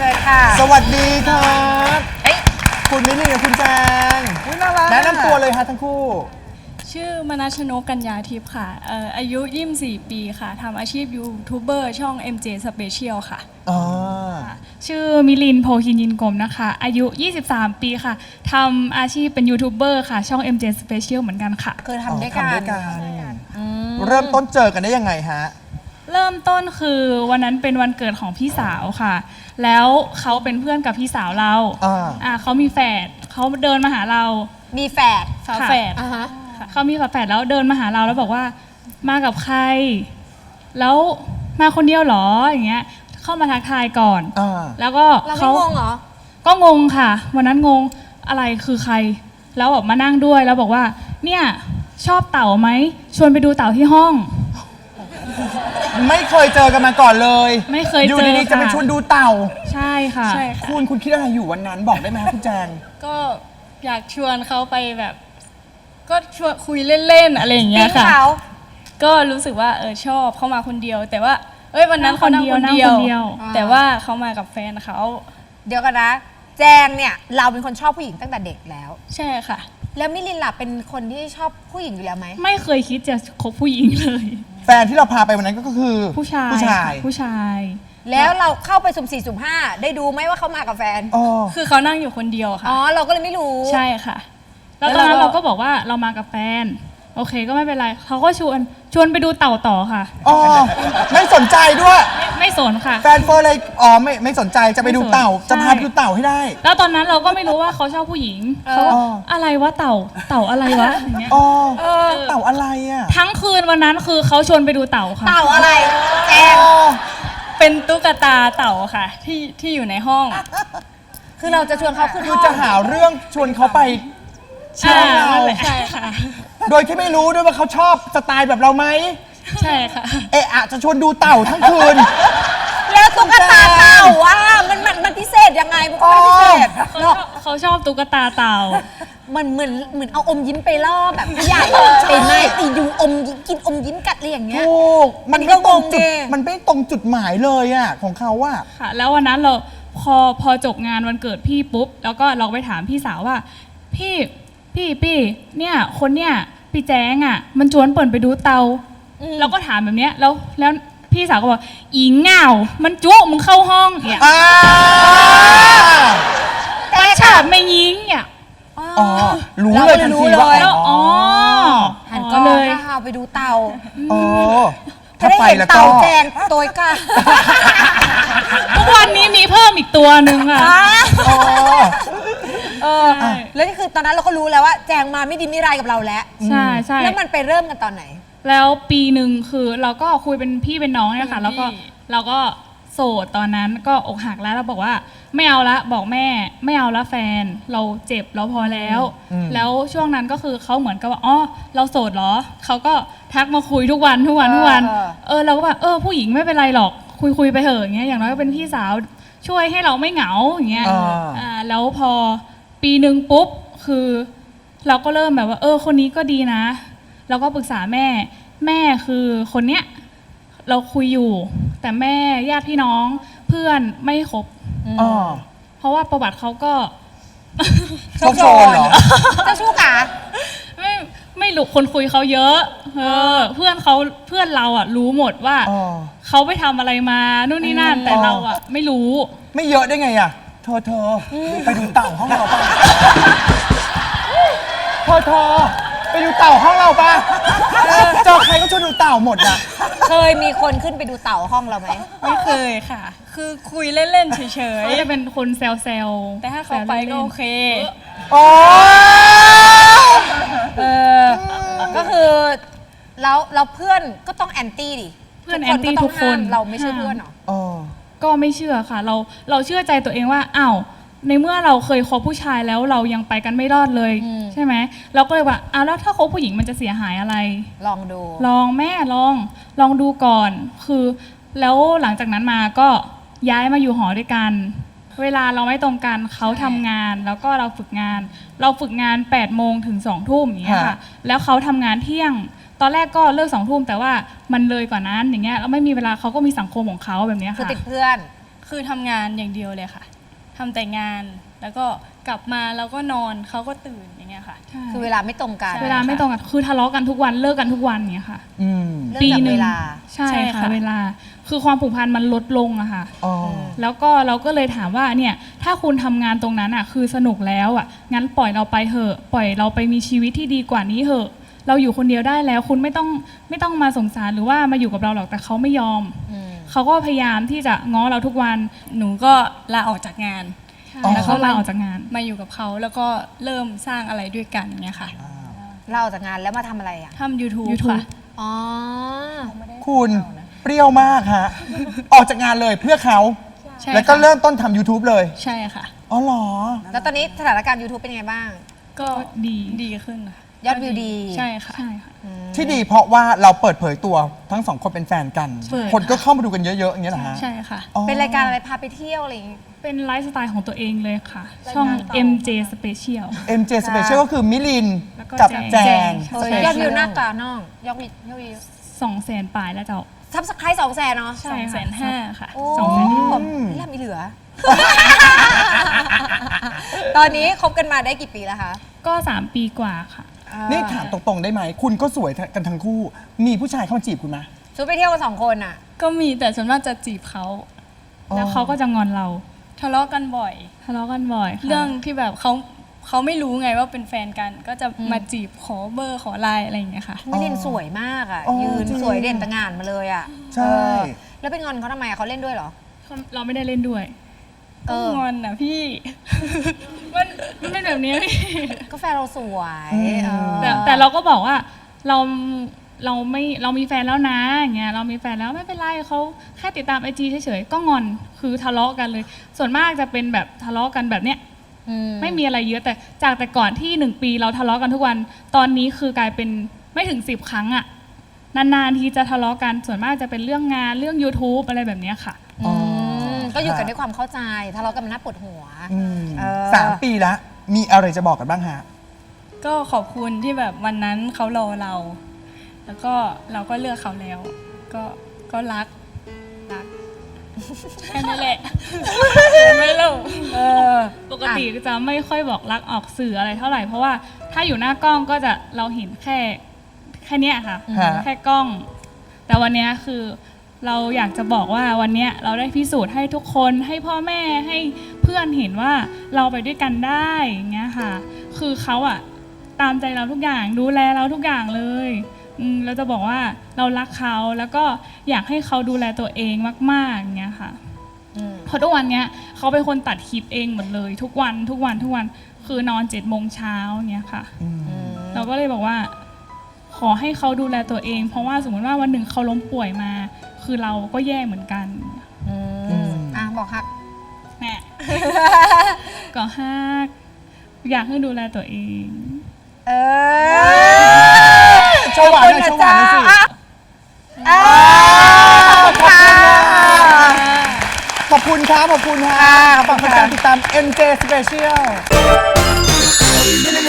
เชิญค่ะสวัสดีครับคุณมิลลี่กับคุณแจงแนะนำตัวเลยฮะทั้งคู่ชื่อมนัชนกกัญญาทิพย์ค่ะอายุ24 ปีค่ะทำอาชีพยูทูบเบอร์ช่อง MJ Special ค่ะชื่อมิลินโพคินยินกรมนะคะอายุ23 ปีค่ะทำอาชีพเป็นยูทูบเบอร์ค่ะช่อง MJ Special เหมือนกันค่ะคือทำด้วยกันเริ่มต้นเจอกันได้ยังไงฮะเริ่มต้นคือวันนั้นเป็นวันเกิดของพี่สาวค่ะแล้วเขาเป็นเพื่อนกับพี่สาวเราเขามีแฝดเขาเดินมาหาเรามีแฝดฝาแฝดเขามีฝาแฝดแล้วเดินมาหาเราแล้วบอกว่ามากับใครแล้วมาคนเดียวหรออย่างเงี้ยเข้ามาทักทายก่อนแล้วก็เขางงเหรอก็งงค่ะวันนั้นงงอะไรคือใครแล้วแบบมานั่งด้วยแล้วบอกว่าเนี่ยชอบเต่าไหมชวนไปดูเต่าที่ห้องไม่เคยเจอกันมาก่อนเลยไม่เคยเจออยู่ดีๆจะไปชวนดูเต่าใช่ค่ะคุณคิดอะไรอยู่วันนั้นบอกได้ไหมคุณแจงก็อยากชวนเขาไปแบบก็ชวนคุยเล่นๆอะไรอย่างเงี้ยค่ะก็รู้สึกว่าชอบเขามาคนเดียวแต่ว่าวันนั้นเขานั่งคนเดียวแต่ว่าเขามากับแฟนเขาเดี๋ยวกันนะแจงเนี่ยเราเป็นคนชอบผู้หญิงตั้งแต่เด็กแล้วใช่ค่ะแล้วมิลินล่ะเป็นคนที่ชอบผู้หญิงอยู่แล้วไหมไม่เคยคิดจะคบผู้หญิงเลยแฟนที่เราพาไปวันนั้นก็คือผู้ชายแล้วเราเข้าไปสุ่ม4สุ่ม5ได้ดูไหมว่าเขามากับแฟนคือเขานั่งอยู่คนเดียวค่ะเราก็เลยไม่รู้ใช่ค่ะแล้วตอนนั้นเราก็บอกว่าเรามากับแฟนโอเคก็ไม่เป็นไรเขาก็ชวนไปดูเต่าต่อค่ะไม่สนใจด้วยไม่สนค่ะแฟนเฟิร์นเลยไม่สนใจจะไปดูเต่าจะพาไปดูเต่าให้ได้แล้วตอนนั้นเราก็ไม่รู้ว่าเขาชอบผู้หญิงเขาอะไรวะเต่าอะไรวะอย่างเงี้ยเต่าอะไรอ่ะทั้งคืนวันนั้นคือเขาชวนไปดูเต่าค่ะเต่าอะไรแจงเป็นตุ๊กตาเต่าค่ะที่อยู่ในห้องคือเราจะชวนเขาขึ้นห้องจะหาเรื่องชวนเขาไปใช่ค่ะโดยที่ไม่รู้ด้วยว่าเขาชอบสไตล์แบบเราไหมใช่ค่ะจะชวนดูเต่าทั้งคืนแล้วตุ๊กตาเต่าว่ามันพิเศษยังไงมันพิเศษเขาชอบตุ๊กตาเต่ามันเหมือนเอาอมยิ้มไปล่อแบบใหญ่ไปไหมตีดูอมยิ้มกินอมยิ้มกัดอะไรอย่างเงี้ยมันไม่ตรงจุดมันไม่ตรงจุดหมายเลยอ่ะของเขาว่าค่ะแล้ววันนั้นเราพอจบงานวันเกิดพี่ปุ๊บแล้วก็เราไปถามพี่สาวว่าพี่เนี่ยคนเนี่ยพี่แจ้งอ่ะมันชวนเปิ่นไปดูเตาเราก็ถามแบบเนี้ยแล้วพี่สาวก็บอกอีเหงามันจุมึงเข้าห้องเนี่ยมันฉาบไม่ยิงเนี่ยรู้เลยทันทีว่าหันก็เลยถ้าเอาไปดูเตาถ้าไปแล้วก็เต่าแจงตัวกะทุกวันนี้มีเพิ่มอีกตัวหนึ่งอ่ะแล้วนี่คือตอนนั้นเราก็รู้แล้วว่าแจงมาไม่ดีไม่ร้ายกับเราแล้วใช่แล้วมันไปเริ่มกันตอนไหนแล้วปีหนึ่งคือเราก็คุยเป็นพี่เป็นน้องเนี่ยค่ะแล้วก็เราก็โสดตอนนั้นก็อกหักแล้วเราบอกว่าไม่เอาละบอกแม่ไม่เอาละแฟนเราเจ็บเราพอแล้วช่วงนั้นก็คือเขาเหมือนกับว่าเราโสดเหรอเขาก็ทักมาคุยทุกวันเราก็แบบผู้หญิงไม่เป็นไรหรอกคุยไปเถอะอย่างเงี้ยอย่างน้อยก็เป็นพี่สาวช่วยให้เราไม่เหงาอย่างเงี้ยแล้วพอปีหนึ่งปุ๊บคือเราก็เริ่มแบบว่าคนนี้ก็ดีนะเราก็ปรึกษาแม่คือคนเนี้ยเราคุยอยู่แต่แม่ญาติพี่น้องเพื่อนไม่คบเพราะว่าประวัติเขาก็โชคโชนเหรอเจ้าชู้กะไม่รู้คนคุยเขาเยอะเพื่อนเราอ่ะรู้หมดว่าเขาไปทำอะไรมานู่นนี่นั่นแต่เราอ่ะไม่รู้ไม่เยอะได้ไงอ่ะเธอไปดูเต่าห้องเราป่ะเธอไปดูเต่าห้องเราป่ะเจอใครก็ชวนดูเต่าหมดอ่ะเคยมีคนขึ้นไปดูเต่าห้องเราไหมไม่เคยค่ะคือคุยเล่นๆเฉยๆเขาจะเป็นคนแซวแต่ถ้าเขาไปก็โอเคก็คือเราเพื่อนก็ต้องแอนตี้ดิเพื่อนแอนตี้ทุกคนเราไม่ใช่เพื่อนหรอก็ไม่เชื่อค่ะเราเชื่อใจตัวเองว่าอ้าวในเมื่อเราเคยคบผู้ชายแล้วเรายังไปกันไม่รอดเลยใช่ไหมเราก็เลยว่าแล้วถ้าคบผู้หญิงมันจะเสียหายอะไรลองดูแม่ลองดูก่อนคือแล้วหลังจากนั้นมาก็ย้ายมาอยู่หอด้วยกันเวลาเราไม่ตรงกันเขาทำงานแล้วก็เราฝึกงาน8 โมงถึง2 ทุ่มอย่างเงี้ยค่ะแล้วเขาทำงานเที่ยงตอนแรกก็เลิก2 ทุ่มแต่ว่ามันเลยกว่านั้นอย่างเงี้ยแล้วไม่มีเวลาเขาก็มีสังคมของเขาแบบนี้ค่ะคือติดเพื่อนคือทำงานอย่างเดียวเลยค่ะทำแต่งานแล้วก็กลับมาแล้วก็นอนเขาก็ตื่นอย่างเงี้ยค่ะคือเวลาไม่ตรงกันใช่เวลาไม่ตรงกันคือทะเลาะกันทุกวันเลิกกันทุกวันเนี้ยค่ะอืมเรื่องจากเวลาใช่ใช่ค่ะค่ะเวลาคือความผูกพันมันลดลงอะค่ะอ๋อแล้วก็เราก็เลยถามว่าเนี่ยถ้าคุณทำงานตรงนั้นอะคือสนุกแล้วอะงั้นปล่อยเราไปเถอะปล่อยเราไปมีชีวิตที่ดีกว่านี้เถอะเราอยู่คนเดียวได้แล้วคุณไม่ต้องมาสงสารหรือว่ามาอยู่กับเราหรอกแต่เขาไม่ยอม เขาก็พยายามที่จะง้อเราทุกวันหนูก็ลาออกจากงานอ๋อแล้วเขาลาออกจากงานมาอยู่กับเขาแล้วก็เริ่มสร้างอะไรด้วยกันเงี้ยค่ะเราออกจากงานแล้วมาทำอะไรอ่ะทำ YouTube YouTube ค่ะอ๋อคุณเปรี้ยวมากฮะ ออกจากงานเลยเพื่อเขาใช่แล้วก็ค่ะเริ่มต้นทำ YouTube เลยใช่ค่ะอ๋อเหรอแล้วตอนนี้สถานการณ์ YouTube เป็นยังไงบ้างก็ดีดีขึ้นค่ะยอดวิวดีใช่ค่ะใช่ค่ะที่ดีเพราะว่าเราเปิดเผยตัวทั้งสองคนเป็นแฟนกันเปิดคนก็เข้ามาดูกันเยอะๆอย่างเงี้ยเหรอฮะใช่ค่ะอ๋อเป็นรายการอะไรพาไปเที่ยวอะไรอย่างงี้เป็นไลฟ์สไตล์ของตัวเองเลยค่ะ ช่อง MJ Special MJ Special ก็คือมิลินแล้วก็กับแจงแจงเฮ้ยยอดวิวหน้ากาน้องยอดวิว 200,000 ปลายแล้วเจ้าซับสไครต์200,000เนาะใช่ค่ะ 250,000ค่ะโอ้ 250,000 นี่ทำมีเหลือ ตอนนี้คบกันมาได้กี่ปีแล้วคะก็ 3 ปีกว่าค่ะนี่ถามตรงๆได้ไหม คุณก็สวยกันทั้งคู่ มีผู้ชายเข้ามาจีบคุณไหมชุดไปเที่ยวกัน2 คนอ่ะก็มีแต่ส่วนมากจะจีบเขาแล้วเขาก็จะงอนเราทะเลาะกันบ่อยทะเลาะกันบ่อยค่ะเรื่องที่แบบเขาไม่รู้ไงว่าเป็นแฟนกัน ก็จะมาจีบขอเบอร์ขอไลน์อะไรอย่างเงี้ยค่ะมิลินสวยมากอ่ะอ๋อยืนจริงสวยเด่นตะงานมาเลยอ่ะใช่เออแล้วเป็นงอนเขาทำไมอะเขาเล่นด้วยเหรอเราไม่ได้เล่นด้วยเอก็องอนนะพี่มันเป็นแบบนี้พี่ก็แฟนเราสวยเออแต่เราก็บอกว่าเรามีแฟนแล้วนะอย่างเงี้ยเรามีแฟนแล้วไม่เป็นไรเขาแค่ติดตามไอจีเฉยๆก็งอนคือทะเลาะกันเลย ส่วนมากจะเป็นแบบทะเลาะกันแบบเนี้ยไม่มีอะไรเยอะแต่จากแต่ก่อนที่1 ปีเราทะเลาะกันทุกวันตอนนี้คือกลายเป็นไม่ถึง10 ครั้งอะนานๆทีจะทะเลาะกันส่วนมากจะเป็นเรื่องงานเรื่อง YouTube อะไรแบบเนี้ยค่ะก็อยู่กันด้วยความเข้าใจทะเลาะกันมันน่าปวดหัวอืมเออ 3 ปีแล้ว มีอะไรจะบอกกันบ้างฮะก็ขอบคุณที่แบบวันนั้นเขารอเรา แล้วก็เราก็เลือกเขาแล้ว ก็รักแค่นั้นแหละ ไม่รู้ปกติจะไม่ค่อยบอกรักออกสื่ออะไรเท่าไหร่เพราะว่าถ้าอยู่หน้ากล้องก็จะเราเห็นแค่เนี้ยค่ะฮะแค่กล้อง แต่วันเนี้ยคือเราอยากจะบอกว่าวันเนี้ยเราได้พิสูจน์ให้ทุกคนให้พ่อแม่ให้เพื่อนเห็นว่าเราไปด้วยกันได้อย่างเงี้ยค่ะ คือเขาอะตามใจเราทุกอย่างดูแลเราทุกอย่างเลยเราจะบอกว่าเรารักเขาแล้วก็อยากให้เขาดูแลตัวเองมากๆอย่างเงี้ยค่ะเพราะทุกวันเนี้ยเขาเป็นคนตัดคลิปเองหมดเลย ทุกวันคือนอน7 โมงเช้าเงี้ยค่ะเราก็เลยบอกว่า ขอให้เขาดูแลตัวเอง เพราะว่าสมมติว่าวันหนึ่งเขาล้มป่วยมา คือเราก็แย่เหมือนกันบอกครับแม่ ก็ฮักอยากให้ดูแลตัวเองโชว์หวานหน่อยโชว์หวานหน่อยสิ ขอบคุณครับ ขอบคุณครับขอบคุณการติดตาม MJ Special